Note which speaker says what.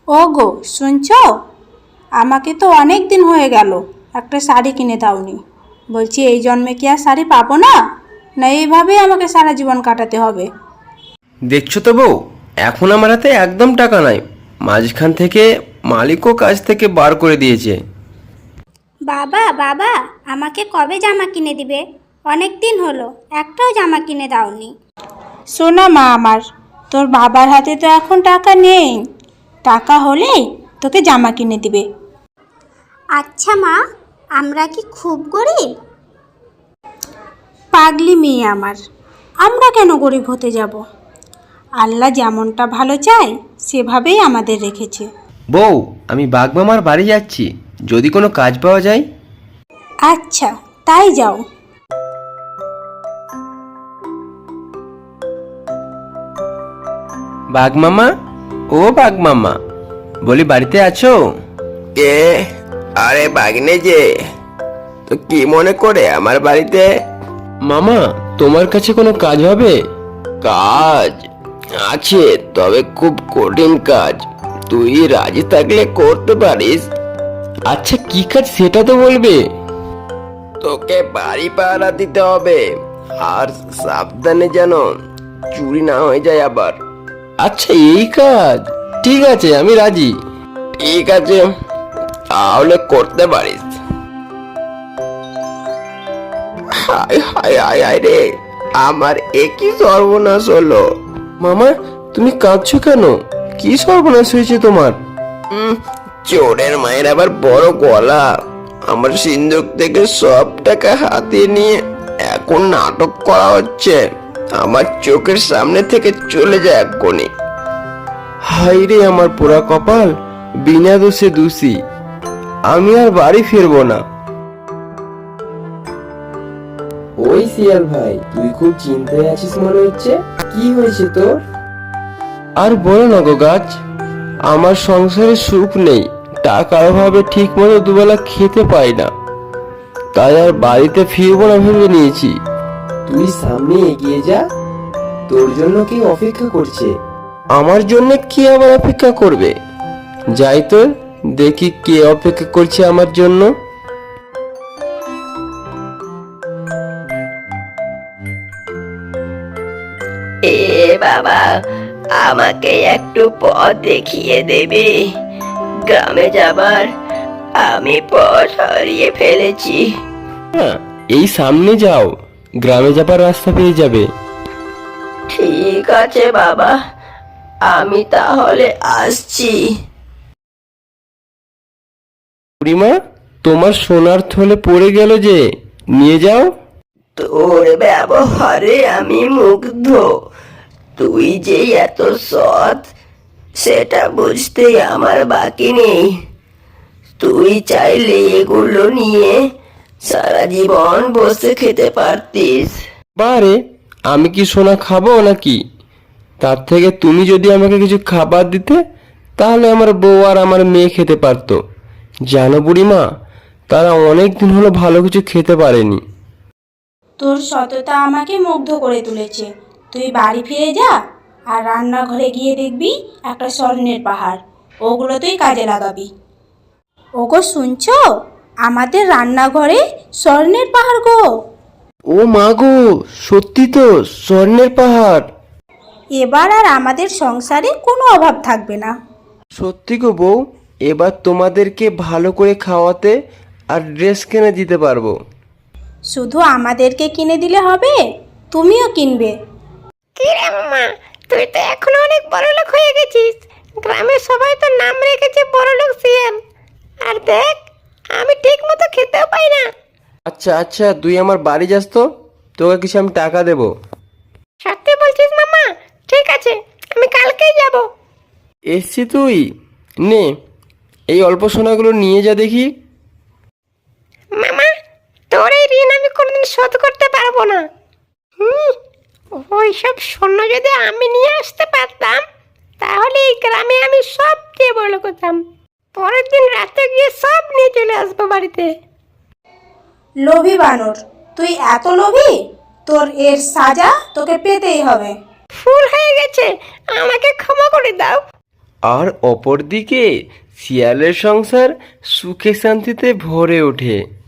Speaker 1: ওগো শুনছো, আমাকে তো অনেক দিন হয়ে গেল একটা শাড়ি কিনে দাওনি। বলছি এই জন্মে কি আর শাড়ি পাবো না, না এইভাবেই আমাকে সারা জীবন কাটাতে হবে?
Speaker 2: দেখছো তো বউ, এখন আমার হাতে একদম টাকা নাই। মাঝখান থেকে মালিকও কাজ থেকে বার করে দিয়েছে।
Speaker 3: বাবা বাবা, আমাকে কবে জামা কিনে দিবে? অনেক দিন হলো, একটাও জামা কিনে দাওনি।
Speaker 1: শোনা মা আমার, তোর বাবার হাতে তো এখন টাকা নেই, টাকা হলেই তোকে জামা কিনে দিবে।
Speaker 3: আচ্ছা মা, আমরা কি খুব গরিব?
Speaker 1: পাগলি মেয়ে আমার, আমরা কেন গরিব হতে যাব? আল্লাহ যেমনটা ভালো চায় সেভাবেই আমাদের রেখেছে।
Speaker 2: বউ, আমি বাগমামার বাড়ি যাচ্ছি, যদি কোনো কাজ পাওয়া যায়।
Speaker 1: আচ্ছা তাই যাও।
Speaker 2: বাগমামা, ও বাগমামা, বলি বাড়িতে আছো? কে? আরে বাগনে যে, তো কি মনে করে আমার বাড়িতে? মামা, তোমার কাছে কোনো কাজ হবে? কাজ আছে, তবে খুব কঠিন কাজ। তুই রাজি থাকলে করতে পারিস। আচ্ছা কি কাজ সেটা তো বলবে। তোকে বাড়ি পাহারা দিতে হবে, আর সাবধানে যেন চুরি না হয়ে যায় আবার। আচ্ছা এই কাজ, ঠিক আছে আমি রাজি। ঠিক আছে, তাহলে করতে পারিস। হায় হায় হায় হায় রে, আমার একই সর্বনাশ হলো। মামা, তুমি কাঁদছো কেন? কি সর্বনাশ হয়েছে তোমার? চোরের মায়ের আবার বড় গলা। আমার সিন্ধুক থেকে সব টাকা হাতিয়ে নিয়ে এখন নাটক করা হচ্ছে। আমার চোখের সামনে থেকে চলে যায় এক্ষুনি। হাই রে আমার পোড়া কপাল, বিনা দোষে দোষী। আমি আর বাড়ি ফিরবো না। ওই শিয়াল ভাই, তুই খুব চিন্তায় আছিস মনে হচ্ছে। কি হয়েছে তোর? আর বলো না গো গাছ, আমার সংসারে সুখ নেই। টাকার অভাবে ঠিক মতো দুবেলা খেতে পাই না, তাই আর বাড়িতে ফিরবো না ভেবে নিয়েছি। তুই সামনে এগিয়ে যা, তোর জন্য কি অপেক্ষা করছে। আমার জন্য কি আবার অপেক্ষা করবে? যাই তো, দেখি কে অপেক্ষা করছে আমার জন্য।
Speaker 4: এ বাবা, আমাকে একটু পথ দেখিয়ে দেবে? গ্রামে যাবার আমি পথ হারিয়ে ফেলেছি।
Speaker 2: হ্যাঁ, এই সামনে যাও, গ্রামে যাবার রাস্তা পেয়ে যাবে।
Speaker 4: ঠিক আছে বাবা, আমি তাহলে আসছি।
Speaker 2: বুড়িমা, তোমার সোনার থলে পড়ে গেল যে, নিয়ে যাও।
Speaker 4: তোর ব্যবহারে আমি মুগ্ধ। তুই যে এত সৎ সেটা বুঝতে আমার বাকি নেই। তুই চাইলে এগুলো নিয়ে সারা জীবন বসে খেতে পারতিস।
Speaker 2: বারে, আমি কি সোনা খাবো নাকি? তার থেকে তুমি যদি আমাকে কিছু খাবার দিতে, তাহলে আমার বউ আর আমার মেয়ে খেতে পারতো। জানো বুড়িমা, তারা অনেক দিন হলো ভালো কিছু খেতে পারেনি।
Speaker 1: তোর সততা আমাকে মুগ্ধ করে তুলেছে। তুই বাড়ি ফিরে যা, আর রান্নাঘরে গিয়ে দেখবি একটা স্বর্ণের পাহাড়, ওগুলো তুই কাজে লাগাবি। ওগো শুনছো, আমাদের রান্নাঘরে স্বর্ণের পাহাড় গো।
Speaker 2: ও মা গো, সত্যি তো স্বর্ণের পাহাড়।
Speaker 1: এবার আর আমাদের সংসারে কোনো অভাব থাকবে না।
Speaker 2: সত্যি গো বউ, এবার তোমাদেরকে ভালো করে খাওয়াতে আর ড্রেস কিনে দিতে পারবো।
Speaker 1: শুধু আমাদেরকে কিনে দিলে হবে, তুমিও কিনবে।
Speaker 3: কি রে মামা, তুই তো এখন অনেক বড়লোক হয়ে গেছিস। গ্রামের সবাই তো নাম রেখেছে বড়লোক শিয়াল। আর দেখ, আমি ঠিক মতো খেতেও পাই না।
Speaker 2: আচ্ছা আচ্ছা, তুই আমার বাড়ি যাস তো, তোকে কিছু আমি টাকা দেবো।
Speaker 3: সত্যি বলছিস মামা? ঠিক আছে, আমি কালকেই যাব।
Speaker 2: এসছি তুই, নে এই অল্প সোনাগুলো নিয়ে যা দেখি।
Speaker 3: মামা, তোর এই ঋণ আমি কোনোদিন শোধ করতে পারবো না। ওই সব স্বর্ণ যদি আমি নিয়ে আসতে পারতাম, তাহলে এই গ্রামে আমি সবচেয়ে বড় করতাম। পরের দিন রাতে গিয়ে সব নিয়ে চলে আসবো বাড়িতে।
Speaker 1: লোভী বানর, তুই এত লোভী, তোর এর সাজা তোকে পেতেই হবে।
Speaker 3: ভুল হয়ে গেছে, আমাকে ক্ষমা করে দাও।
Speaker 2: আর অপরদিকে শিয়ালের সংসার সুখে শান্তিতে ভরে ওঠে।